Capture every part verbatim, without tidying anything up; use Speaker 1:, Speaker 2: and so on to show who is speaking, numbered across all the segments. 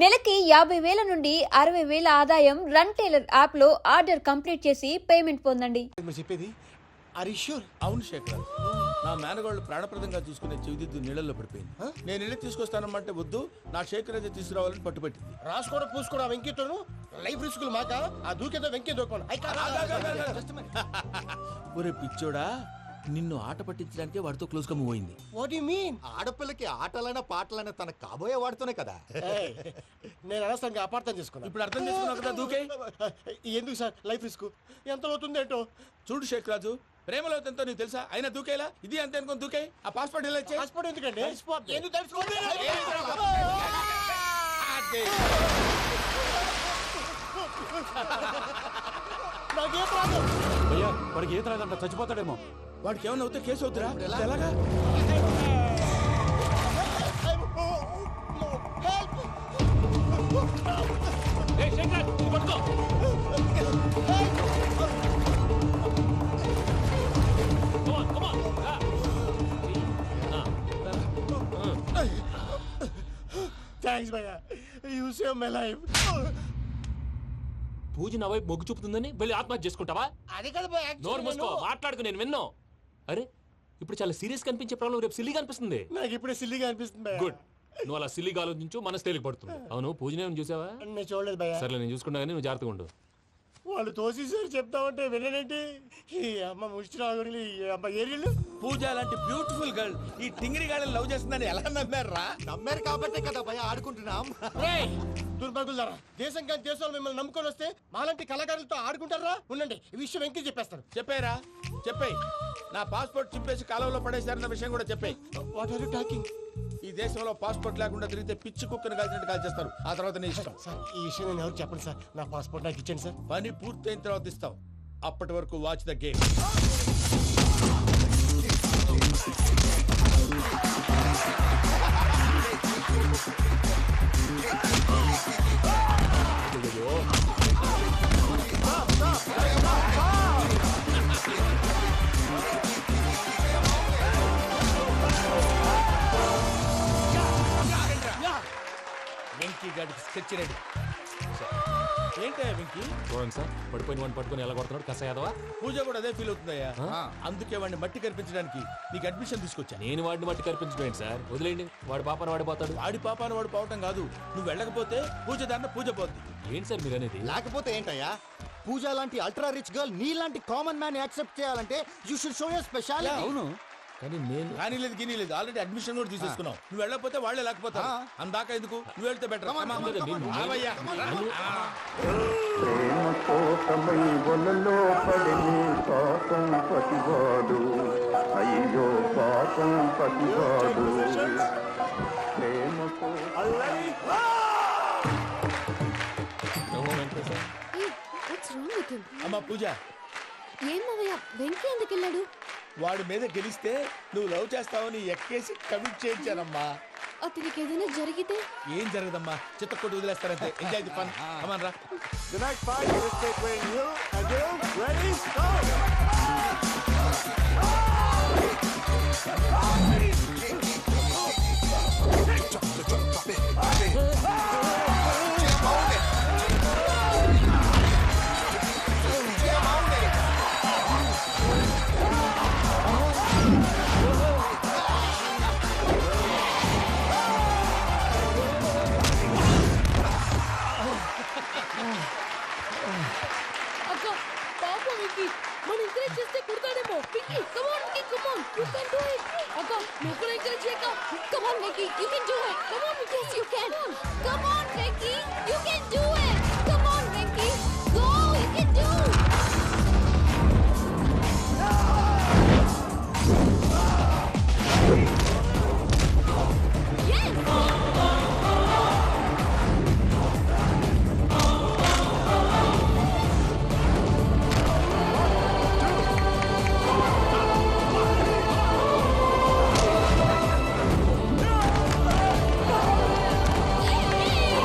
Speaker 1: నెలకి యాభై వేల నుండి అరవై వేల ఆదాయం రన్ టైలర్ యాప్ లో ఆర్డర్ కంప్లీట్ చేసి పేమెంట్ పొందండి.
Speaker 2: మీరు చెప్పేది అరిష్యూర్
Speaker 3: అవును శేఖర్, నా మేనగాళ్ళు ప్రాణప్రదంగా చూసుకునే చెవిదిద్దు నీళ్ళల్లో పడిపోయింది. నేను ఇల్లు తీసుకొస్తానమ్మంటే వద్దు, నా శేఖర్ అయితే తీసుకురావాలని పట్టుబట్టింది.
Speaker 2: రాసుకోవడం పూసుకోవడం వెంకీతోను లైఫ్ రిస్కులు మాక ఆ దూకేదో వెంకీ దూకోండి.
Speaker 3: ఒరే పిచ్చోడా, నిన్ను ఆట పట్టించడానికే వాడితో క్లోజ్ గా మూవ్ అయింది.
Speaker 2: What you mean?
Speaker 4: ఆడపిల్లకి ఆటలైనా పాటలైనా తన కాబోయే వాడుతూనే కదా.
Speaker 2: నేను అనవసరంగా అపార్థం చేసుకున్నా.
Speaker 3: ఇప్పుడు అర్థం చేసుకున్నావు కదా, దూకే.
Speaker 2: ఎందుకు సార్ లైఫ్ రిస్క్ ఎంత అవుతుంది ఏంటో?
Speaker 3: చూడు షేక్ రాజు, ప్రేమలో ఎంతో నీకు తెలుసా? అయినా దూకేలా ఇది అంతే అనుకుని దూకే. ఆ పాస్పోర్ట్ ఇలా ఇచ్చే.
Speaker 2: పాస్పోర్ట్ ఎందుకండి?
Speaker 3: ఎందుకు తెలుసుకోండి?
Speaker 2: నాకేం ప్రాబ్లం?
Speaker 5: భయ్యా వాడికి ఈత రాదంట, చచ్చిపోతాడేమో.
Speaker 3: వాడికి ఏమన్నా అవుతే కేసు అవుతురా? ఎలాగా?
Speaker 2: థ్యాంక్స్ భయ్యా, you save my life.
Speaker 6: Pooja నా వైపు మొగ్గు చూపుతుందని వెళ్ళి ఆత్మహత్య చేసుకుంటావా?
Speaker 2: అది కదా భయ్యా,
Speaker 6: నోరు మూసుకో, మాట్లాడుకు, నేను విన్నాను. అరే ఇప్పుడు చాలా సీరియస్ కనిపించే ప్రాబ్లం రేపు సిల్లీగా అనిపిస్తుంది.
Speaker 2: నాకు ఇప్పుడే సిల్లీగా అనిపిస్తుంది భయ్యా.
Speaker 6: గుడ్, నువ్వు అలా సిల్లీగా ఆలోచించు, మనసు తేలిక పడుతుంది. అవును, పూజనే చూసావా?
Speaker 2: నేను చూడలేదు భయ్యా.
Speaker 6: సర్లే, నేను చూసుకున్నా కానీ నువ్వు జాగ్రత్తగా ఉండు.
Speaker 2: వాళ్ళు తోసేసారు చెప్తామంటే విననేంటి? ఈ అమ్మ ముష్టి రాగుడి ఈ అమ్మ ఏరియలు.
Speaker 3: పూజ లాంటి బ్యూటిఫుల్ గర్ల్ ఈ టింగిరి గాడిని లవ్ చేస్తుందని ఎలా నమ్మారా?
Speaker 4: నమ్మారు కాబట్టే కదా భయ ఆడుకుంటున్నాం.
Speaker 2: దుర్భగులారా, దేశం కానీ దేశాలు మిమ్మల్ని నమ్ముకొని వస్తే మాలాంటి కళాకారులతో ఆడుకుంటారా? ఉండండి, ఈ విషయం వెంకీ చెప్పేస్తాను.
Speaker 3: చెప్పారా? చెప్పేయ్. నా పాస్పోర్ట్ చింపేసి కాలువలో పడేశారన్న విషయం కూడా చెప్పేయ్.
Speaker 2: What are you talking?
Speaker 3: ఈ దేశంలో పాస్పోర్ట్ లేకుండా తిరిగితే పిచ్చి కుక్కను కాల్చినట్టు కాల్చేస్తారు. ఆ తర్వాత నీ ఇష్టం.
Speaker 2: సార్ ఈ విషయం నేను ఎవరు చెప్పండి సార్. నా పాస్పోర్ట్ నాకు ఇచ్చండి సార్.
Speaker 3: పని పూర్తయిన తర్వాత ఇస్తాం. అప్పటి వరకు వాచ్ ద గేమ్. వెంకీ గాడికి స్కెచ్ రెడీ. ఏంటయ్యా వెంకీ?
Speaker 6: చూడండి సార్, పడిపోయిన వాడిని పట్టుకొని ఎలా కొడుతున్నాడు కస యాదవా.
Speaker 3: పూజ కూడా అదే ఫీల్ అవుతుందయ్యా. అందుకే వాడిని మట్టి కనిపించడానికి నీకు అడ్మిషన్ తీసుకొచ్చా.
Speaker 6: నేను వాడిని మట్టి కనిపించడం ఏంటి సార్? వదిలేండి, వాడి పాపను వాడిపోతాడు.
Speaker 3: వాడి పాపాను వాడు పోవటం కాదు, నువ్వు వెళ్ళకపోతే పూజ దాన్న పూజ పోద్ది.
Speaker 6: ఏంటి సార్ మీరు అనేది?
Speaker 4: లేకపోతే ఏంటయ్యా, పూజ లాంటి అల్ట్రా రిచ్ గర్ల్ నీ లాంటి కామన్ మ్యాన్ యాక్సెప్ట్ చేయాలంటే you should show your speciality.
Speaker 5: అవును,
Speaker 6: కానీ నేను
Speaker 3: కానీ లేదు గిని లేదు, ఆల్రెడీ అడ్మిషన్ కూడా తీసేసుకున్నావు. నువ్వు వెళ్ళకపోతే వాళ్ళే లేకపోతా. అందాక ఎందుకు, నువ్వు వెళ్తే బెటర్.
Speaker 7: ప్రేమ కోసమై వలలో పడిని పాపం పతివాడు, అయ్యో పాపం పతివాడు. ప్రేమ
Speaker 3: అమ్మా పూజ,
Speaker 1: ఏం మావయ్య, వెంకీ ఎందుకు వెళ్ళాడు?
Speaker 3: వాడి మీద గెలిస్తే నువ్వు లవ్ చేస్తావని ఎక్కేసి కమిట్ చేయించానమ్మా.
Speaker 1: అతనికి ఏదైనా జరిగితే?
Speaker 3: ఏం జరగదమ్మా, చిత్త కొట్టి వదిలేస్తారంటే. Enjoy the fun. కమాన్ రా.
Speaker 2: The next fight is between you and you. Ready? Go!
Speaker 1: అక్క పాప వెంకీ, మన ఎంకరేజ్ చేస్తే కుడతాడేమో. Venky come on Venky, come on, you can do it. అక్క నువ్వు కూడా ఎంకరేజ్ చేయక. Come on Venky, you can do it. Come on Venky, yes you can. Come on Venky, you can do it. Come on Venky, go, you can do. Yes!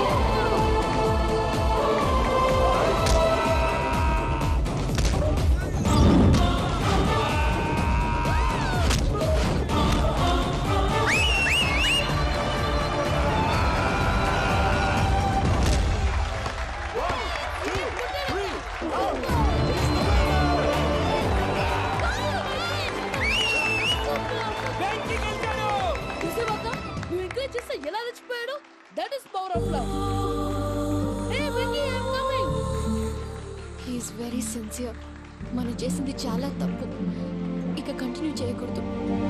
Speaker 1: power of love. Hey, Vicky, I'm coming.
Speaker 8: He is very sincere. మనం చేసింది చాలా తప్పు, ఇక continue చేయకూడదు.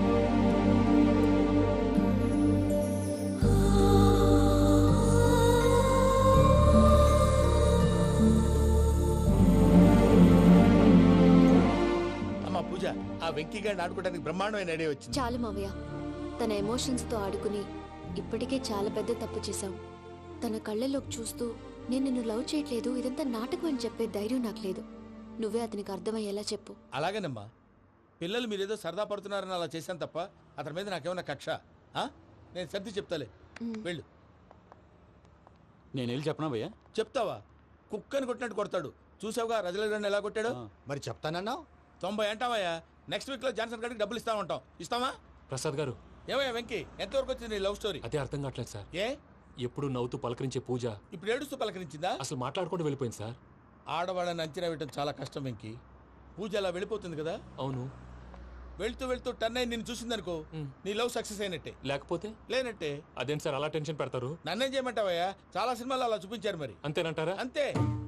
Speaker 3: అమ్మా పూజ, ఆ వెంకీ గారిని ఆడుకోవడానికి బ్రహ్మాండమైన ఐడియా వచ్చింది.
Speaker 8: చాలు మావయ్య, తన ఎమోషన్స్తో ఆడుకుని ఇప్పటికే చాలా పెద్ద తప్పు చేశాం. తన కళ్ళలోకి చూస్తూ నేను నిన్ను లవ్ చేయట్లేదు, ఇదంతా నాటకం అని చెప్పే ధైర్యం నాకు లేదు. నువ్వే అతనికి అర్థమయ్యేలా చెప్పు.
Speaker 3: అలాగేనమ్మా, పిల్లలు మీరేదో సరదా పడుతున్నారని అలా చేశాను తప్ప అతని మీద నాకేమన్నా కక్ష? ఆ? నేను సర్ది చెప్తాలే, వెళ్ళు.
Speaker 5: నేను వెళ్ళి చెప్పనా భయ్యా?
Speaker 3: చెప్తావా? కుక్కని కొట్టినట్టు కొడతాడు. చూసావుగా రజలగడ్డని ఎలా కొట్టాడు?
Speaker 4: మరి చెప్తానన్నావు.
Speaker 3: తొంభై అంటావయ్యా. నెక్స్ట్ వీక్ లో జాన్సన్ గారికి డబ్బులు ఇస్తా ఉంటాం. ఇస్తావా?
Speaker 6: ప్రసాద్ గారు,
Speaker 3: ఏమయ్యా వెంకీ, ఎంతవరకు వచ్చింది నీ లవ్ స్టోరీ?
Speaker 6: అదే అర్థం కావట్లేదు సార్.
Speaker 3: ఏ
Speaker 6: ఎప్పుడు నవ్వుతూ పలకరించే పూజ
Speaker 3: ఇప్పుడు ఏడుస్తూ పలకరించిందా?
Speaker 6: అసలు మాట్లాడుకుంటూ వెళ్ళిపోయింది సార్.
Speaker 3: ఆడవాళ్ళని అంచనా వేయటం చాలా కష్టం వెంకీ. పూజ అలా వెళ్ళిపోతుంది కదా.
Speaker 6: అవును.
Speaker 3: వెళ్తూ వెళ్తూ టర్న్ అయి నిన్ను చూసిందనుకో, నీ లవ్ సక్సెస్ అయినట్టే.
Speaker 6: లేకపోతే
Speaker 3: లేనట్టే.
Speaker 6: అదేం సార్ అలా టెన్షన్ పెడతారు?
Speaker 3: నన్నేం చేయమంటావయ్యా? చాలా సినిమాలు అలా చూపించారు మరి.
Speaker 6: అంతేనంటారా?
Speaker 3: అంతే.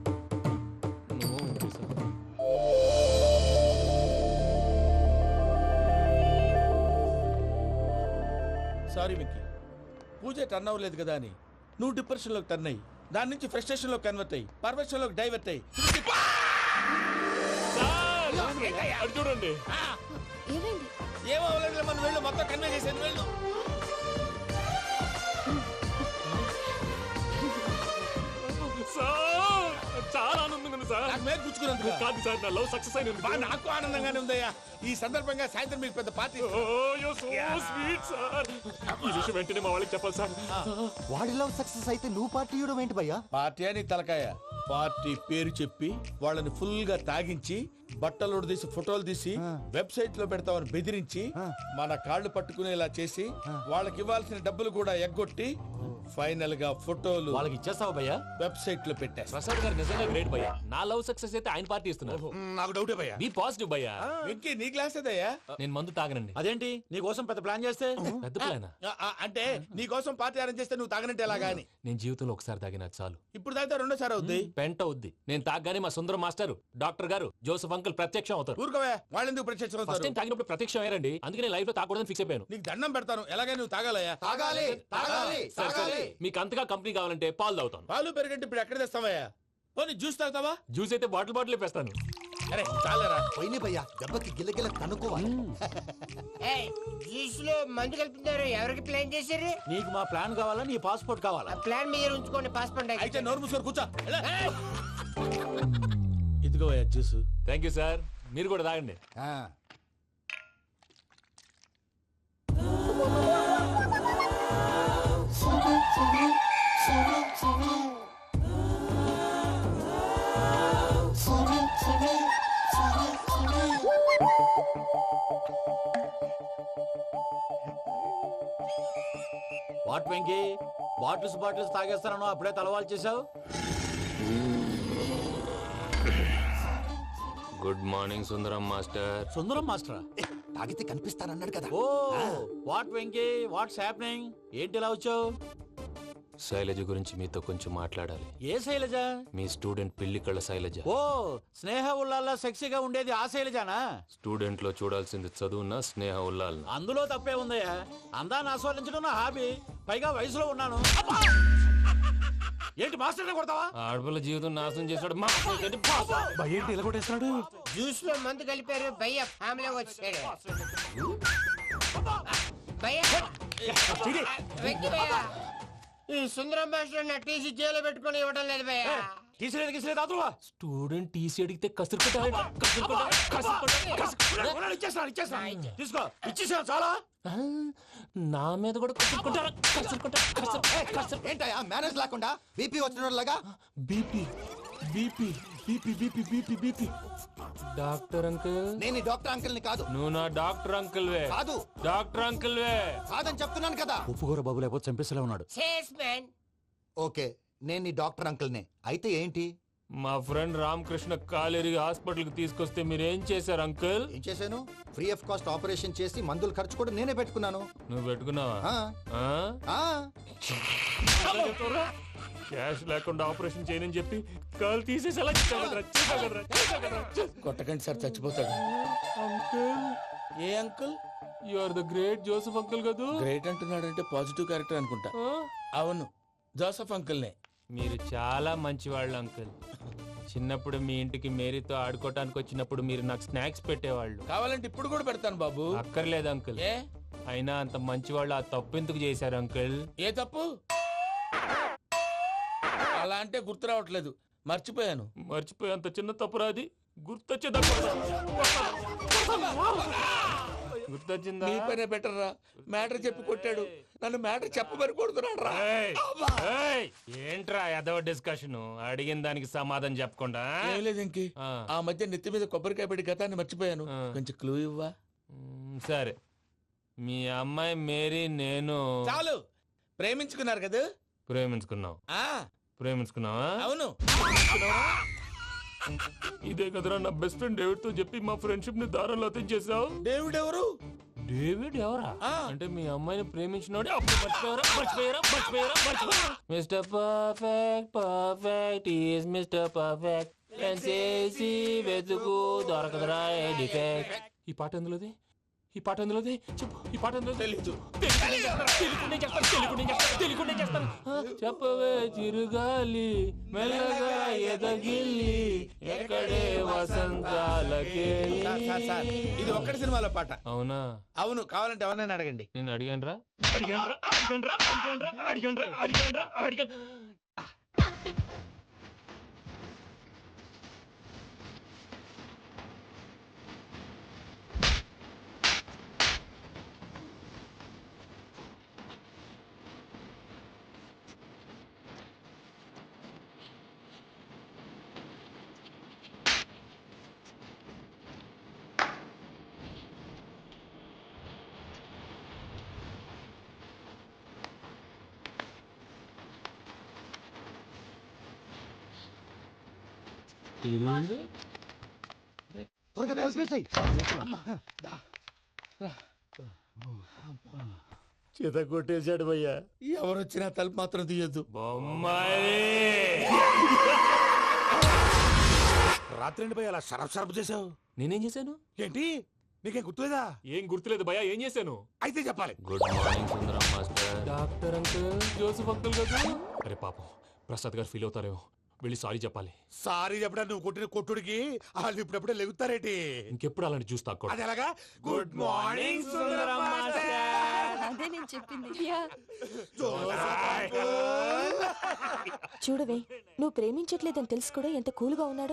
Speaker 3: సారీ వెంకీ, పూజ టర్న్ అవ్వలేదు కదా అని నువ్వు డిప్రెషన్ లోకి టర్న్ అయ్యి దాని నుంచి ఫ్రస్ట్రేషన్ లోకి కన్వర్ట్ అయ్యి పర్వర్షన్ లోకి డైవర్ట్ అయ్యి
Speaker 6: అటు చూడండి.
Speaker 8: ఏమైంది?
Speaker 3: ఏమో అవ్వలేదు, మనం వెళ్ళు, మొత్తం కన్వే చేసేది వెళ్ళు.
Speaker 6: సార్, చాలా ఆనందంగా ఉంది సార్.
Speaker 3: నాకు మీద గుచ్చుకున్నందుకు
Speaker 6: కాదు సార్, నా లవ్ సక్సెస్ అయినందుకు.
Speaker 3: బా, నాకు ఆనందంగానే ఉందయ్యా. ఈ సందర్భంగా సాయంత్రం మీకు పెద్ద party.
Speaker 6: Oh so sweet sir. ఈ విషయం వెంటనే మా వాళ్ళకి చెప్పాలి సార్.
Speaker 4: వాడి లవ్ సక్సెస్ అయితే నువ్వు పార్టీ ఇవ్వడం ఏంటి భయ్యా?
Speaker 3: పార్టీ అని తలకాయ. పార్టీ పేరు చెప్పి వాళ్ళని ఫుల్ గా తాగించి బట్టలు తీసి ఫోటోలు తీసి వెబ్సైట్ లో పెడతామని బెదిరించి మన కాళ్ళు పట్టుకునేలా చేసి వాళ్ళకి ఇవ్వాల్సిన డబ్బులు కూడా ఎగ్గొట్టి ఫైనల్ గా ఫోటోలు
Speaker 5: వాళ్ళకి ఇచ్చేస్తావా భయ్యా?
Speaker 3: వెబ్సైట్ లో పెట్టేస్తా.
Speaker 6: ప్రసాద్ గారు నిజంగా గ్రేట్ భయ్యా. నా లవ్ సక్సెస్ అయితే ఆయన పార్టీ ఇస్తున్నారు.
Speaker 3: నాకు డౌటే భయ్యా.
Speaker 6: బీ పాజిటివ్ భయ్యా.
Speaker 3: వెంకీ, నీ క్లాస్ ఏదయ్యా?
Speaker 6: నేను మందు తాగనండి.
Speaker 5: అదేంటి నీ కోసం పెద్ద ప్లాన్ చేస్తే?
Speaker 6: పెద్ద ప్లానా?
Speaker 3: ఆ, ఆ, అంటే నీ కోసం పార్టీ అరేంజ్ చేస్తే నువ్వు తాగనంటే ఎలాగా అని.
Speaker 6: నేను జీవితంలో ఒకసారి తాగినా చాలు.
Speaker 3: ఇప్పుడు తాగితే రెండోసారి అవుద్ది.
Speaker 6: పెంట వద్ది. నేను తాగగానే మా సుందరం మాస్టర్, డాక్టర్ గారు, జోసఫ్ అంకుల్ ప్రత్యక్షం అవుతారు.
Speaker 3: ఊరుకోవే, వాళ్ళు ఎందుకు ప్రత్యక్షం
Speaker 6: ఫస్ట్
Speaker 3: అవుతారు?
Speaker 6: టైం తాగినప్పుడు ప్రత్యక్షం అయ్యారండి. అందుకే నేను లైఫ్ లో తాగకూడదని ఫిక్స్ అయిపోయాను.
Speaker 3: నీకు దండం పెడతాను, ఎలాగే నువ్వు తాగాలయ్యా.
Speaker 4: తాగాలి తాగాలి
Speaker 6: సరే, సరే. మీకు అంతగా కంపెనీ కావాలంటే పాలు తాగుతాను.
Speaker 3: పాలు పెరిగంటే ఇప్పుడు ఎక్కడ తెస్తావయ్యా? పోనీ జ్యూస్ తాగుతావా?
Speaker 6: జ్యూస్ అయితే బాటిల్ బాటిల్ వేస్తాను.
Speaker 3: అరే చాలరా.
Speaker 4: పోయినే భయ్యా, దెబ్బకి గిల్లగిల్ల కనుక్కోవాలి.
Speaker 9: జ్యూస్ లో మందు కలుపుతున్నారు. ఎవరికి ప్లాన్ చేశారు?
Speaker 5: నీకు మా ప్లాన్ కావాలా, నీ పాస్పోర్ట్ కావాలా?
Speaker 9: ఆ ప్లాన్ మీరు ఉంచుకోండి, పాస్పోర్ట్
Speaker 3: అయితే నోరు మూసుకొని కూర్చో. ఎలా? ఇదిగోయ్యా జ్యూస్.
Speaker 6: Thank you sir. మీరు కూడా తాగండి.
Speaker 5: వాట్ వెంకీ, బాటిల్స్ బాటిల్స్ తాగేస్తాను అప్పుడే తలవాలు చేసావు.
Speaker 6: Good morning Sundaram master.
Speaker 5: Sundaram మాస్టరా?
Speaker 4: తాగితే కనిపిస్తానన్నాడు కదా.
Speaker 5: Oh what Venky, what's happening? ఏంటి ఇలా వచ్చావు?
Speaker 6: శైలజ గురించి మీతో కొంచెం మాట్లాడాలి.
Speaker 5: ఏ శైలజ?
Speaker 6: మీ స్టూడెంట్ పిల్లి కళ్ళ శైలజ.
Speaker 5: ఓ స్నేహ ఉల్లాల్లో సెక్సీగా ఉండేది ఆ శైలజానా?
Speaker 6: స్టూడెంట్ లో చూడాల్సింది చదువున స్నేహ ఉల్లాల్.
Speaker 5: అందులో తప్పే ఉందయ్యా. అందాన్ని ఆస్వాదించడం నా హాబీ, పైగా వయసులో ఉన్నాను. ఏంటి మాస్టర్ కొడతావా?
Speaker 6: ఆడపిల్ల జీవితం నాశనం చేశాడు.
Speaker 5: ఏంటి ఇలా కొట్టేస్తున్నాడు?
Speaker 9: జ్యూస్ లో మందు కలిపారు. భయ్య ఫ్యామిలీ వచ్చాడు. భయ్య వెక్కి భయ్య, ఈ సుందరం భాష నా టీసీ జైలు పెట్టుకుని ఇవ్వడం లేదు భయ్య.
Speaker 5: తీసిలేదు గీసిలేదు అదువా?
Speaker 6: స్టూడెంట్ టీసీ అడిగితే కసురుకుంటాడు. కసురుకుంటాడు, కసురుకుంటాడు, కసురుకుంటాడు.
Speaker 5: ఇచ్చేస్తాను ఇచ్చేస్తాను తీసుకో. ఇచ్చేసాను చాలా.
Speaker 6: నా మీద కూడా కసురుకుంటాడు, కసురుకుంటాడు, కసురు- కసురు-
Speaker 4: ఏంటయ్యా మేనేజ్ లేకుండా బీపీ వచ్చిన లాగా?
Speaker 6: BP BP BP BP BP BP doctor uncle.
Speaker 4: నేను ఈ డాక్టర్ అంకుల్ ని కాదు.
Speaker 6: నువ్వు నా డాక్టర్ అంకుల్ వే.
Speaker 4: కాదు.
Speaker 6: డాక్టర్ అంకుల్ వే.
Speaker 4: కాదని చెప్తున్నాను కదా.
Speaker 5: ఉప్పుకూర బాబు లేకపోతే చంపేసేలా ఉన్నాడు.
Speaker 9: Sales man.
Speaker 4: ఓకే, నేను నీ డాక్టర్ అంకుల్ నే. అయితే ఏంటి?
Speaker 6: మా ఫ్రెండ్ రామకృష్ణ కాలేరి హాస్పిటల్కి తీసుకొస్తే మీరేం చేశారు అంకుల్?
Speaker 4: ఏం చేశాను? ఫ్రీ ఆఫ్ కాస్ట్ ఆపరేషన్ చేసి మందుల ఖర్చు కూడా నేనే పెట్టుకున్నాను.
Speaker 6: నువ్వు పెట్టుకున్నావా?
Speaker 4: ఆ,
Speaker 6: ఆ?
Speaker 4: ఆ.
Speaker 6: క్యాష్ లేకుండా ఆపరేషన్ చేయనని చెప్పి కాలు తీసేసి అలా చేసావు కదరా, చేసావు కదరా, చేసావు కదరా.
Speaker 3: కొట్టకండి సార్, చచ్చిపోతాడు.
Speaker 6: అంకుల్,
Speaker 3: ఏ uncle?
Speaker 6: You are the great Joseph uncle కదూ?
Speaker 3: గ్రేట్ అంటున్నాడంటే పాజిటివ్ క్యారెక్టర్ అనుకుంటా.
Speaker 6: ఆ?
Speaker 3: అవును, జోసఫ్ అంకుల్నే.
Speaker 6: మీరు చాలా మంచివాళ్ళు అంకుల్. చిన్నప్పుడు మీ ఇంటికి మేరీతో ఆడుకోవటానికి వచ్చినప్పుడు మీరు నాకు స్నాక్స్ పెట్టేవాళ్ళు.
Speaker 3: కావాలంటే ఇప్పుడు కూడా పెడతాను బాబు.
Speaker 6: అక్కర్లేదు అంకుల్.
Speaker 3: ఏ
Speaker 6: అయినా అంత మంచివాళ్ళు ఆ తప్పు ఎందుకు చేశారు అంకుల్?
Speaker 3: ఏ తప్పు? అలా అంటే గుర్తు రావట్లేదు, మర్చిపోయాను.
Speaker 6: మర్చిపోయి అంత చిన్న తప్పురా అది? గుర్తొచ్చే గుర్తొచ్చిందా?
Speaker 3: నీ పనే బెటర్ రా. మ్యాటర్ చెప్పి కొట్టాడు, నన్ను మ్యాటర్ చెప్పమని కొడుతున్నాడు రా.
Speaker 6: ఏయ్, ఏయ్, ఏంట్రా ఎదవ డిస్కషన్? అడిగిన దానికి సమాధానం చెప్పకుండా?
Speaker 3: ఏం లేదు ఇంకి.
Speaker 6: ఆ.
Speaker 3: ఆ మధ్య నెత్తి మీద కొబ్బరికాయ పెట్టి గతాన్ని మర్చిపోయాను.
Speaker 6: ఆ.
Speaker 3: కొంచెం క్లూ ఇవ్వా?
Speaker 6: మ్, సరే, మీ అమ్మాయి మేరీ నేను
Speaker 3: చాలు, ప్రేమించుకున్నారు కదా?
Speaker 6: ప్రేమించుకున్నావు.
Speaker 3: ఆ
Speaker 6: ప్రేమించుకున్నావా?
Speaker 3: అవును.
Speaker 6: ఇదే కదరా నా బెస్ట్ ఫ్రెండ్ డేవిడ్ తో చెప్పి మా ఫ్రెండ్షిప్ ని దారంలో అతించేసావు.
Speaker 3: డేవిడ్ ఎవరు?
Speaker 6: డేవిడ్ ఎవరా?
Speaker 3: ఆ.
Speaker 6: అంటే మీ అమ్మాయిని ప్రేమించినోడే అప్పుడు మర్చిపోయారా మర్చిపోయారా మర్చిపోయారా మర్చిపోయారా? Mister perfect perfect is mister perfect చేసి వెతుకు దొరకదురా డిఫెక్ట్. ఈ పాట ఎందులోది? ఈ పాట ఎందులోది? చెప్పు, ఈ పాట ఎందులో?
Speaker 3: తెలీదు.
Speaker 6: చెప్పవే చిరుగాలి మెల్లగా ఎదగిల్లి ఎక్కడే వసంతాలకే.
Speaker 3: సార్, సార్, ఇది ఒక్కటి సినిమాలో పాట.
Speaker 6: అవునా?
Speaker 3: అవును, కావాలంటే ఎవరైనా అడగండి.
Speaker 6: నేను అడిగాను రా.
Speaker 2: చేత కొట్టేశాడు భయ్యా.
Speaker 3: ఎవరు వచ్చినా తలుపు మాత్రం తీయద్దు.
Speaker 6: బొమ్మాయి
Speaker 5: రాత్రి ఎండి పోయి అలా షరఫ్ షరఫ్ చేసావు.
Speaker 6: నేనేం చేశాను?
Speaker 5: ఏంటి, నీకేం గుర్తులేదా?
Speaker 6: ఏం గుర్తులేదు భయ్యా, ఏం చేశాను?
Speaker 5: అయితే చెప్పాలి.
Speaker 6: Good morning Sundaram master. Doctor uncle, Joseph uncle కదా? అరే పాపం, ప్రసాద్ గారు ఫీల్ అవుతారేమో, వెళ్ళి సారీ చెప్పాలి.
Speaker 5: సారీ చెప్పడా నువ్వు కొట్టిన కొట్టుడికి వాళ్ళు ఇప్పుడప్పుడే లెగుతారేటి?
Speaker 6: ఇంకెప్పుడు అలాంటి జ్యూస్ తాక్కూడదు.
Speaker 5: అది ఎలాగా? Good morning Sundaram master.
Speaker 8: అదే నేను చెప్పింది.
Speaker 1: చూడవే, నువ్వు ప్రేమించట్లేదని తెలుసు కూడా ఎంత కూల్గా ఉన్నాడో.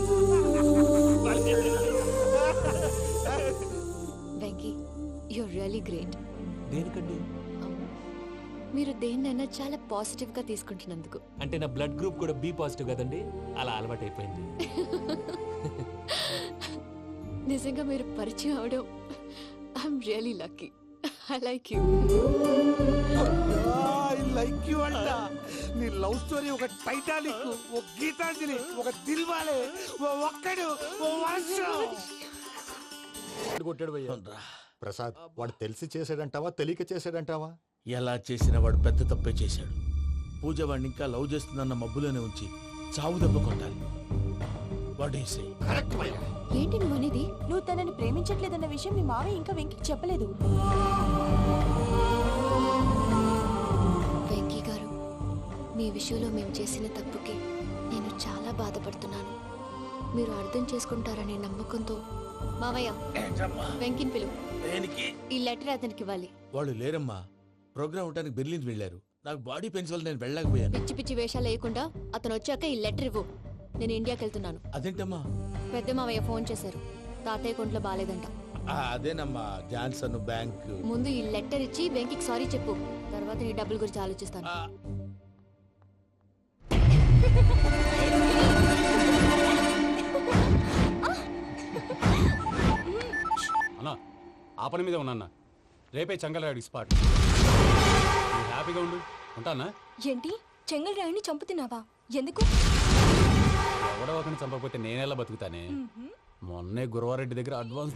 Speaker 8: Venky, your really great.
Speaker 6: దేనికండి?
Speaker 8: మీరు దేన్నైనా చాలా పాజిటివ్ గా తీసుకుంటున్నందుకు.
Speaker 6: అంటే నా బ్లడ్ గ్రూప్ కూడా బి పాజిటివ్ కదండి, అలా అలవాటు అయిపోయింది.
Speaker 8: నిజంగా మీరు పరిచయం అవడం I'm really lucky. I like you.
Speaker 5: I like you అంట. నీ లవ్ స్టోరీ ఒక టైటానిక్, ఒక గీతాంజలి, ఒక దిల్వాలే, ఓ ఒక్కడు, ఓ వర్షం.
Speaker 2: కొట్టాడు భయ్యా.
Speaker 4: ప్రసాద్, వాడు తెలిసి చేసాడంటావా తెలియక చేసాడంటావా?
Speaker 3: ఎలా చేసిన వాడు పెద్ద తప్పే చేశాడు. పూజ వాడిని ఇంకా లవ్ చేస్తుందన్న మబ్బులోనే ఉంచి చావు దెబ్బ కొట్టాలి. What you say?
Speaker 8: ఏంటి నువ్వు అనేది?
Speaker 1: నువ్వు తనని ప్రేమించట్లేదన్న విషయం మీ మావయ్య ఇంకా వెంకికి చెప్పలేదు.
Speaker 8: వెంకీ గారు, మీ విషయంలో మేము చేసిన తప్పుకి నేను చాలా బాధపడుతున్నాను. మీరు అర్థం చేసుకుంటారనే నమ్మకంతో మావయ్య వెంకిని పిలువు. ఈ లెటర్ అతనికి ఇవ్వాలి.
Speaker 3: వాళ్ళు లేరమ్మా, ప్రోగ్రామ్ ఉండడానికి బెర్లిన్ వెళ్ళారు. నాకు బాడీ పెయిన్స్ వల్ల నేను వెళ్ళలేకపోయాను.
Speaker 8: పిచ్చి పిచ్చి వేషాలు వేయకుండా అతను వచ్చాక ఈ లెటర్ ఇవ్వు. నేను ఇండియాకి వెళ్తున్నాను.
Speaker 3: అదేంటమ్మా?
Speaker 8: పెద్ద మావయ్య ఫోన్ చేశారు, తాతయ్య కొంట్లో బాలేదంట.
Speaker 3: ఆ, అదేనమ్మా, జాన్సన్ బ్యాంక్.
Speaker 8: ముందు ఈ లెటర్ ఇచ్చి వెంకికి సారీ చెప్పు, తర్వాత నీ డబ్బుల గురించి ఆలోచిస్తాను.
Speaker 10: అన్నా, ఆ పని మీద ఉన్నా. రేపే చంగలరాయుడు స్పాట్. హ్యాపీగా ఉండు, ఉంటానా?
Speaker 1: ఏంటి, చెంగల్ రాయుని చంపుతున్నావా? ఎందుకు?
Speaker 10: ఎవడో ఒకరిని చంపకపోతే నేనెలా బతుకుతానే? మొన్నే గురవారెడ్డి దగ్గర అడ్వాన్స్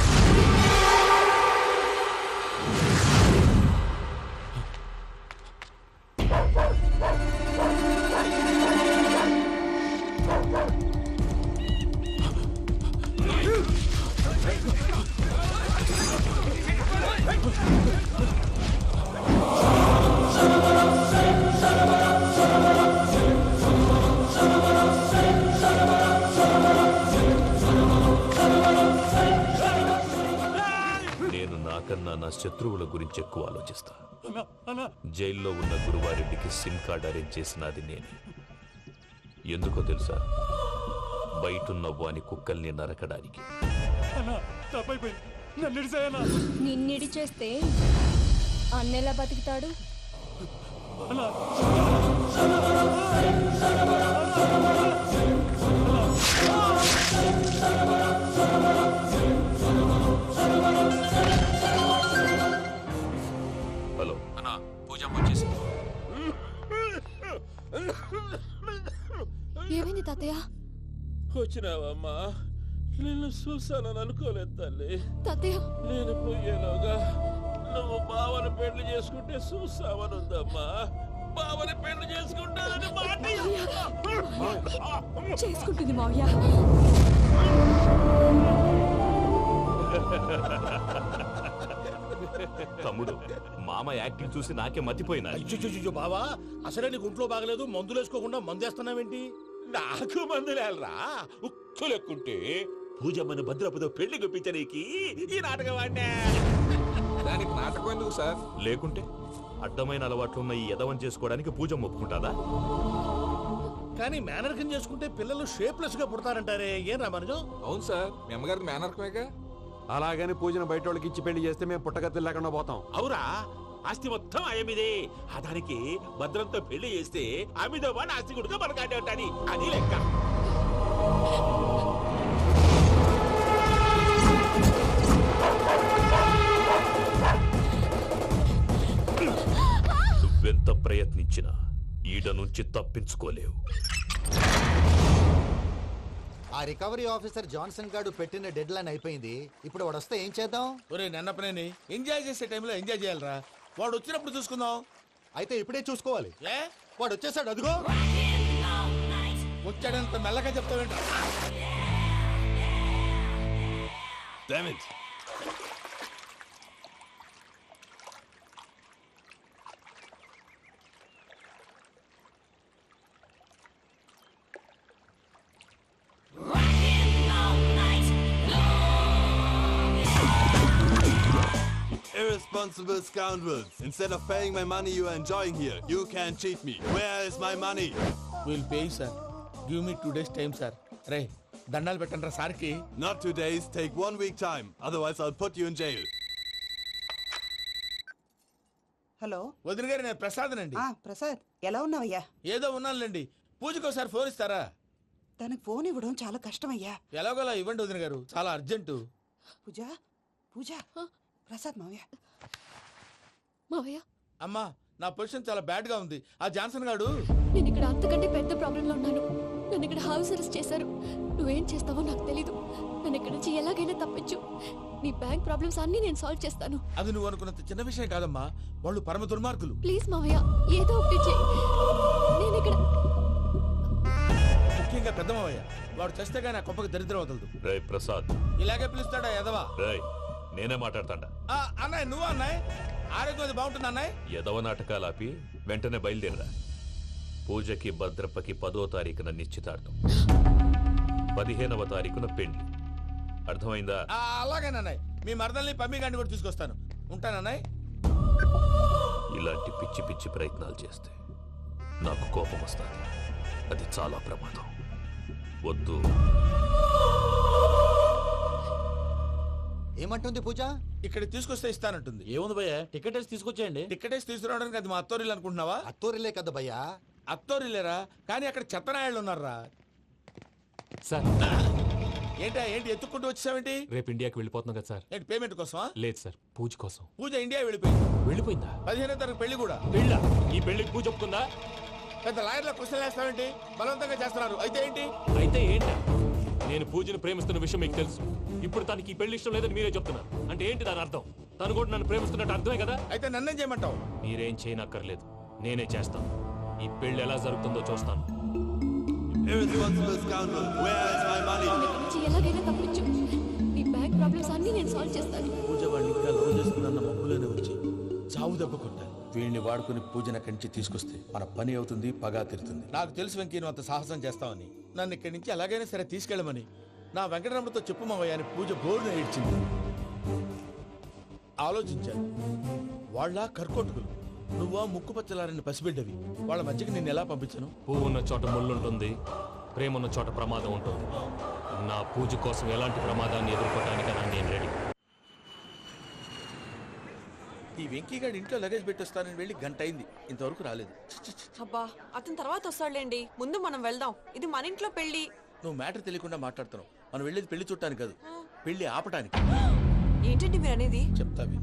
Speaker 11: నేను నాకన్నా నా శత్రువుల గురించి ఎక్కువ ఆలోచిస్తా. జైల్లో ఉన్న గురువారెడ్డికి సిమ్ కార్డ్ అరేంజ్ చేసినది నేనే. ఎందుకో తెలుసా? బయటున్న వాని కుక్కల్ని నరకడానికి.
Speaker 1: నిన్నిడి చేస్తే అన్నెలా బతుకుతాడు?
Speaker 11: హలో
Speaker 10: అన్నా, పూజ వచ్చేసి.
Speaker 8: ఏమైంది తాతయ్య?
Speaker 3: వచ్చినావమ్మా? నిన్ను చూసానని అనుకోలేదు తల్లి.
Speaker 8: తాతయ్య
Speaker 3: నేను పోయేలోగా నువ్వు బావని పెళ్లి చేసుకుంటే చూసావని ఉందమ్మా. బావని పెళ్లి చేసుకుంటానని మాట
Speaker 1: చేసుకుంటుంది మావయ్య.
Speaker 11: తమ్ముడు, మామ యాక్టింగ్ చూసి నాకే మతిపోయినా.
Speaker 3: అయ్యో బావా, అసలే నీకు ఒంట్లో బాగలేదు, మందులు వేసుకోకుండా మందు వేస్తున్నావేంటి? నాకు మందులేరా ఉక్కు లెక్కుంటే పూజమ్మని భద్రపదో పెళ్లి గుప్పించడానికి ఈ నాటకం వాడినా.
Speaker 10: దానికి నాటకం ఎందుకు సార్?
Speaker 11: లేకుంటే అడ్డమైన అలవాట్లున్న ఈ యదవం చేసుకోవడానికి పూజమ్మ ఒప్పుకుంటాదా?
Speaker 3: కానీ మేనర్కం చేసుకుంటే పిల్లలు షేప్లెస్ గా పుడతారంటారే, ఏం రామానుజం?
Speaker 10: అవును సార్, మీ అమ్మగారికి మేనర్కమేగా.
Speaker 12: అలాగని పూజను బయట వాళ్ళకి ఇచ్చి పెళ్లి చేస్తే మేము పుట్టగతులు లేకుండా పోతాం.
Speaker 3: అవురా, ఆస్తి మొత్తం ఆయమిదే. ఆ దానికి భద్రంతో పెళ్లి చేస్తే ఆమెతో వాడు ఆస్తి గుడిగా మనకాడే ఉంటాని, అది లెక్క.
Speaker 11: నువ్వెంత ప్రయత్నించినా ఈడ నుంచి తప్పించుకోలేవు.
Speaker 4: ఆ రికవరీ ఆఫీసర్ జాన్సన్ గారు పెట్టిన డెడ్ లైన్ అయిపోయింది. ఇప్పుడు వాడు వస్తే ఏం చేద్దాం?
Speaker 3: ఒరే నన్నపనేని, ఎంజాయ్ చేసే టైంలో ఎంజాయ్ చేయాలరా. వాడు వచ్చినప్పుడు చూసుకుందాం.
Speaker 4: అయితే ఇప్పుడే చూసుకోవాలి.
Speaker 3: ఏ
Speaker 4: వాడు వచ్చేసాడు, అదిగో.
Speaker 3: వచ్చాడంత మెల్లగా చెప్తావేంట?
Speaker 12: Irresponsible scoundrels. Instead of paying my money you are enjoying here, you can cheat me. Where is my money?
Speaker 3: We'll pay you, sir. Give me two days time, sir. రే దండాలు పెట్టండి రా సార్కి.
Speaker 12: Not two days, take one week time. Otherwise I'll put you in jail.
Speaker 13: Hello
Speaker 3: వదిన గారు, నేను ప్రసాదనండి.
Speaker 13: ఆ ప్రసాద్, ఎలా ఉన్నావయ్యా?
Speaker 3: ఏదో ఉన్నానులేండి. పూజకి ఒకసారి ఫోన్ ఇస్తారా?
Speaker 13: తనకు ఫోన్ ఇవ్వడం చాలా కష్టమయ్యా.
Speaker 3: ఎలాగోలా ఇవ్వండి వదిన గారు, చాలా అర్జెంటు.
Speaker 13: పూజ పూజ ప్రసాద్ మావయ్య.
Speaker 8: మావయ్య
Speaker 3: అమ్మా, నా పొజిషన్ చాలా బ్యాడ్ గా ఉంది. ఆ జాన్సన్ గాడు.
Speaker 8: నేను ఇక్కడ అంతకంటే పెద్ద ప్రాబ్లంలో ఉన్నాను. నన్ను ఇక్కడ హౌస్ అరెస్ట్ చేశారు. నువ్వేం చేస్తావో నాకు తెలీదు. నన్ను ఇక్కడ నుంచి ఎలాగైనా తప్పించు. నీ బ్యాంక్ ప్రాబ్లమ్స్ అన్ని నేను సాల్వ్ చేస్తాను.
Speaker 3: అది నువ్వు అనుకున్నంత చిన్న విషయం కాదమ్మా. వాళ్ళు పరమ దుర్మార్గులు.
Speaker 8: ప్లీజ్ మావయ్య, ఏదో ఒకటి చెయ్యి. నేను ఇక్కడ
Speaker 3: ముఖ్యంగా పెద్ద మావయ్య, వాడు చస్తే కానీ ఆ కొంపకి దరిద్రం వదలదు.
Speaker 11: రే ప్రసాద్,
Speaker 3: ఇలాగే పిలుస్తాడా ఎదవా?
Speaker 11: రేయ్ నేనే మాట్లాడతాడా?
Speaker 3: అన్నయ్య నువ్వు అన్నాయ్, ఆరోగ్యం అది బాగుంటుంది అన్నాయ్.
Speaker 11: యదవ నాటకాలు ఆపి వెంటనే బయలుదేరరా. పూజకి భద్రప్పకి పదో తారీఖున నిశ్చితార్థం, పదిహేనవ తారీఖున పెళ్లి. అర్థమైందా?
Speaker 3: అలాగేనన్నాయ్. మీ మరదల్ని పమ్మి గాండి కూడా తీసుకొస్తాను. ఉంటానన్నాయ్.
Speaker 11: ఇలాంటి పిచ్చి పిచ్చి ప్రయత్నాలు చేస్తే నాకు కోపం వస్తుంది. అది చాలా ప్రమాదం. వద్దు.
Speaker 4: ఏమంటుంది పూజ?
Speaker 3: ఇక్కడ తీసుకొస్తే ఇస్తానంటుంది.
Speaker 10: ఏముంది భయ్యా, టికెట్ వేసి తీసుకొచ్చేయండి.
Speaker 3: టికెట్ వేసి తీసుకురావడానికి అది మా అత్తోరిల్లు అనుకుంటున్నావా?
Speaker 4: అత్తోరిలే కదా భయ్యా.
Speaker 3: అత్తోరిల్లేరా, కానీ అక్కడ చెత్తనాయాళ్ళు ఉన్నారా.
Speaker 6: సార్
Speaker 3: ఏంటా ఏంటి ఎత్తుక్కుంటూ వచ్చావేంటి?
Speaker 6: రేపు ఇండియాకి వెళ్ళిపోతున్నాం కదా సార్.
Speaker 3: ఏంటి పేమెంట్ కోసమా?
Speaker 6: లేదు సార్, పూజ కోసం.
Speaker 3: పూజ ఇండియా వెళ్ళిపోయింది.
Speaker 6: వెళ్ళిపోయిందా?
Speaker 3: పదిహేనో తారీఖు పెళ్లి కూడా.
Speaker 6: పెళ్ళ? ఈ పెళ్లికి పూజ ఒప్పుకుందా?
Speaker 3: పెద్ద లాయర్ల క్వశ్చన్ వేస్తావేంటి? బలవంతంగా చేస్తున్నారు అయితే ఏంటి?
Speaker 6: అయితే ఏంటి? నేను పూజను ప్రేమిస్తున్న విషయం మీకు తెలుసు. ఇప్పుడు తనకి ఈ పెళ్లి ఇష్టం లేదని మీరే చెప్తున్నారు. అంటే ఏంటి దాని అర్థం? తను కూడా నన్ను ప్రేమిస్తున్నట్టు అర్థమే కదా?
Speaker 3: అయితే నన్నేం చేయమంటావు?
Speaker 6: మీరేం చేయనక్కర్లేదు, నేనే చేస్తాను. ఈ పెళ్లి ఎలా జరుగుతుందో చూస్తాను.
Speaker 12: Irresponsible scoundrel, where is my money?
Speaker 8: నుంచి ఎలాగైనా తప్పించు. నీ బ్యాంక్ ప్రాబ్లమ్స్ అన్నీ నేను సాల్వ్ చేస్తాను.
Speaker 3: పూజ వాడిని ఇంకా లవ్ చేస్తుందన్న మబ్బులోనే వచ్చి చావు దెబ్బ కొట్టాలి. వీళ్ళని వాడుకుని పూజన కంచి తీసుకొస్తే మన పని అవుతుంది, పగా తిరుతుంది. నాకు తెలుసు వెంకీ నువ్వు అంత సాహసం చేస్తావని. నన్ను ఇక్కడి నుంచి ఎలాగైనా సరే తీసుకెళ్ళమని నా వెంకటరమణతో చెప్పు మావయ్య అని పూజ బోరున ఏడ్చింది. ఆలోచించాను, వాళ్ళ కర్కోటకులు, నువ్వా ముక్కు పచ్చలారని పసిబిడ్డవి. వాళ్ళ మధ్యకి నేను ఎలా పంపించను?
Speaker 6: పువ్వు ఉన్న చోట ముళ్ళుంటుంది, ప్రేమ ఉన్న చోట ప్రమాదం ఉంటుంది. నా పూజ కోసం ఎలాంటి ప్రమాదాన్ని ఎదుర్కోవడానికైనా నేను రెడీ.
Speaker 3: ఈ వెంకీగాడి ఇంట్లో లగేజ్ పెట్టొస్తానని వెళ్ళి గంట అయింది, ఇంతవరకు రాలేదు.
Speaker 14: అబ్బా అతని తర్వాత వస్తాడులేండి, ముందు మనం వెళ్దాం. ఇది మన ఇంట్లో పెళ్లి.
Speaker 3: నువ్వు మ్యాటర్ తెలియకుండా మాట్లాడుతున్నావు. మనం వెళ్ళేది పెళ్లి చుట్టానికి కాదు, పెళ్లి ఆపటానికి.
Speaker 14: ఏంటండి మీరు అనేది?
Speaker 3: చెప్తా విను.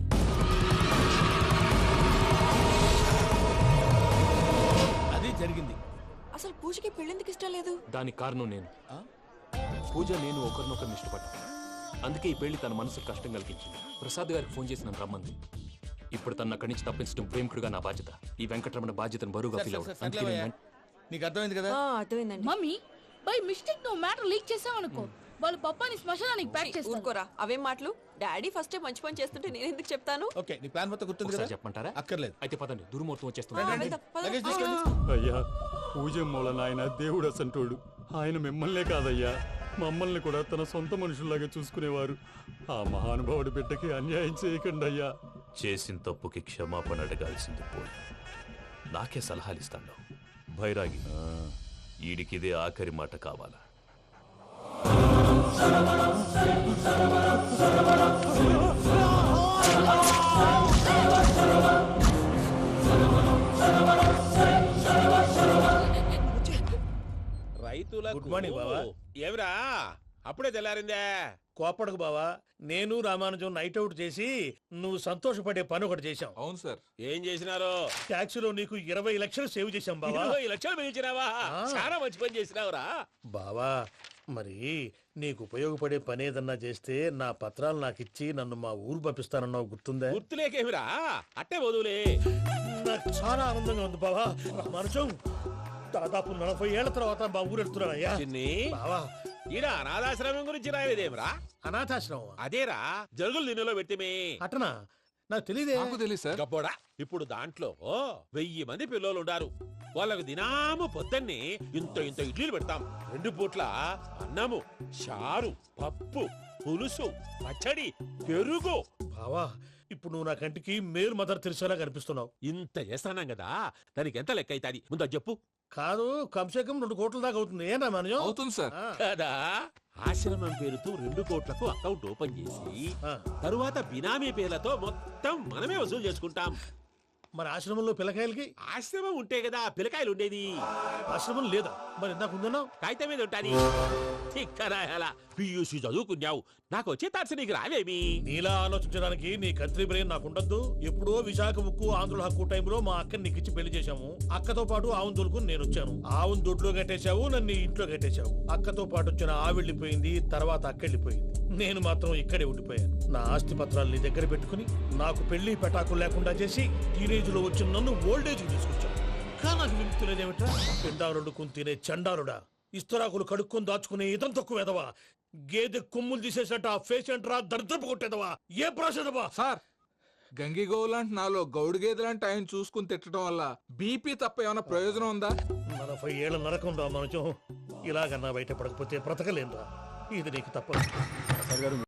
Speaker 3: అది జరిగింది.
Speaker 14: అసలు పూజకి పెళ్ళెందుకు ఇష్టం లేదు?
Speaker 6: దానికి కారణం నేను. పూజ నేను ఒకరినొకరిని ఇష్టపడ్డా. అందుకే ఈ పెళ్లి తన మనసుకు కష్టం కలిగించింది. ప్రసాద్ గారికి ఫోన్ చేసి నన్ను రమ్మంది. ఇప్పుడు తన అక్కడి నుంచి తప్పించడం ప్రేమికుడుగా నా బాధ్యత. ఈ వెంకటరమణ బాధ్యతను బరువుగా ఫీల్ అవ్వడం.
Speaker 3: నీకు అర్థమైంది కదా?
Speaker 14: అర్థమైందండి.
Speaker 1: మమ్మీ బై మిస్టేక్ నువ్వు మ్యాటర్ లీక్ చేసావనుకో, వాళ్ళు పప్పాని శ్మశానానికి ప్యాక్ చేస్తారు.
Speaker 14: ఊరుకోరా, అవేం మాటలు? డాడీ ఫస్ట్ మంచి పని చేస్తుంటే నేను ఎందుకు చెప్తాను?
Speaker 3: ఓకే, నీ ప్లాన్ మొత్తం గుర్తుంది కదా?
Speaker 6: చెప్పమంటారా?
Speaker 3: అక్కర్లేదు.
Speaker 6: అయితే పదండి, దుర్మూర్తం వచ్చేస్తుంది.
Speaker 10: అయ్యా పూజ మూలన ఆయన దేవుడు అసంటోడు. ఆయన మిమ్మల్నే కాదయ్యా, మమ్మల్ని కూడా తన సొంత మనుషుల్లాగా చూసుకునేవారు. ఆ మహానుభావుడి బిడ్డకి అన్యాయం చేయకండి అయ్యా.
Speaker 11: చేసిన తప్పుకి క్షమాపణ అడగాల్సింది పోయి నాకే సలహాలు ఇస్తాను. భైరాగి, ఈడికిదే ఆఖరి మాట కావాలా?
Speaker 5: రైతుల
Speaker 3: గుడ్ మార్నింగ్ బావా.
Speaker 5: ఏమిరా అప్పుడే తెల్లారిందే?
Speaker 3: కోపడకు బావా, నేను రామానుజం నైట్ అవుట్ చేసి నువ్వు సంతోషపడే పని ఒకటి చేశాం.
Speaker 5: అవును సార్. ఏం చేసినారు?
Speaker 3: ట్యాక్సీలో నీకు ఇరవై లక్షలు సేవ్ చేశాం బావా.
Speaker 5: ఇరవై లక్షలు మిగిల్చినావా? చాలా మంచి పని చేసినావురా
Speaker 3: బావా. మరి నీకు ఉపయోగపడే పని ఏదన్నా చేస్తే నా పత్రాలు నాకు ఇచ్చి నన్ను మా ఊరు పంపిస్తానన్నావు, గుర్తుందా?
Speaker 5: గుర్తులేకేమిరా, అట్టే వదులే.
Speaker 3: నాకు చాలా ఆనందంగా ఉంది బావా. రామానుజం దాదాపు నలభై ఏళ్ల తర్వాత మా ఊరు వెళ్తున్నానయ్యా. బావా
Speaker 5: ఈడ అనాథాశ్రమం గురించి రాయలేదేమిరా?
Speaker 3: అనాథాశ్రమం
Speaker 5: అదేరా, జరుగులు దీనిలో పెట్టిమే.
Speaker 3: అటనా? నాకు తెలియదే.
Speaker 5: నాకు తెలియదు సార్. గబ్బోడా, ఇప్పుడు దాంట్లో వెయ్యి మంది పిల్లలు ఉండారు. వాళ్ళకు దినాము పొద్దున్నే ఇంత ఇంత ఇడ్లీలు పెడతాం. రెండు పూట్ల అన్నము, చారు, పప్పు, పులుసు, పచ్చడి, పెరుగు.
Speaker 3: బావా ఇప్పుడు నువ్వు నా కంటికి మేలు మదర్ తెరిసేలా కనిపిస్తున్నావు.
Speaker 5: ఇంత చేస్తానం కదా, దానికి ఎంత లెక్క అవుతుంది ముందు అది చెప్పు.
Speaker 3: కాదు, కంసే కం రెండు కోట్ల దాకా అవుతుంది. ఏం రామానుజం?
Speaker 5: అవుతుంది సార్. కదా, ఆశ్రమం పేరుతో రెండు కోట్లకు అకౌంట్ ఓపెన్ చేసి తరువాత బినామీ పేర్లతో మొత్తం మనమే వసూలు చేసుకుంటాం.
Speaker 3: మరి ఆశ్రమంలో పిల్లకాయలకి?
Speaker 5: ఆశ్రమం ఉంటే కదా పిల్లకాయలు ఉండేది.
Speaker 3: ఆశ్రమం లేదా? మరి ఇందాక ఉందన్నావు.
Speaker 5: కాగితం మీద ఉంటాది. చిక్కరాయాలా పియూసీ చదువుకున్నావు, నాకు వచ్చే తాట్స్ నీకు రావేమి?
Speaker 3: నీలా ఆలోచించడానికి నీ కత్రి బ్రెయిన్ నాకు ఉండద్దు. ఎప్పుడో విశాఖ ఉక్కు ఆంధ్రుల హక్కు టైంలో మా అక్కని నీకిచ్చి పెళ్లి చేశాము. అక్కతో పాటు ఆవును దొడుకుని నేను వచ్చాను. ఆవును దొడ్లో కట్టేశావు, నన్ను ఇంట్లో కట్టేశావు. అక్కతో పాటు వచ్చిన ఆవిళ్ళిపోయింది, తర్వాత అక్కెళ్ళిపోయింది. నేను మాత్రం ఇక్కడే ఉండిపోయాను. నా ఆస్తి పత్రాలు నీ దగ్గర పెట్టుకుని నాకు పెళ్లి పెటాకులు లేకుండా చేసి టీనేజ్ లో వచ్చిన నన్ను ఓల్డేజ్ తీసుకొచ్చాను. కానీ నాకు విముక్తి లేదేమిట్రా? పిండారుడుకుని తినే చండారుడా, ఇస్తరాకులు కడుక్కొని దాచుకునే ఇతం తక్కువ ఎదవా, గేదె కొమ్ములు తీసేసట ఆ పేషెంట్ రా దరిద్రపు కొట్టేదవా, ఏ ప్రాసెదవా?
Speaker 15: సార్ గంగిగోవు లాంటి నాలో గౌడు గేదె లాంటి ఆయన చూసుకుని తిట్టడం వల్ల బీపీ తప్ప ఏమైనా ప్రయోజనం ఉందా?
Speaker 3: నలభై ఏళ్ళ నరకం రా మనచం. ఇలాగన్నా బయటపడకపోతే బ్రతకలేనురా. ఇది నీకు తప్పదు.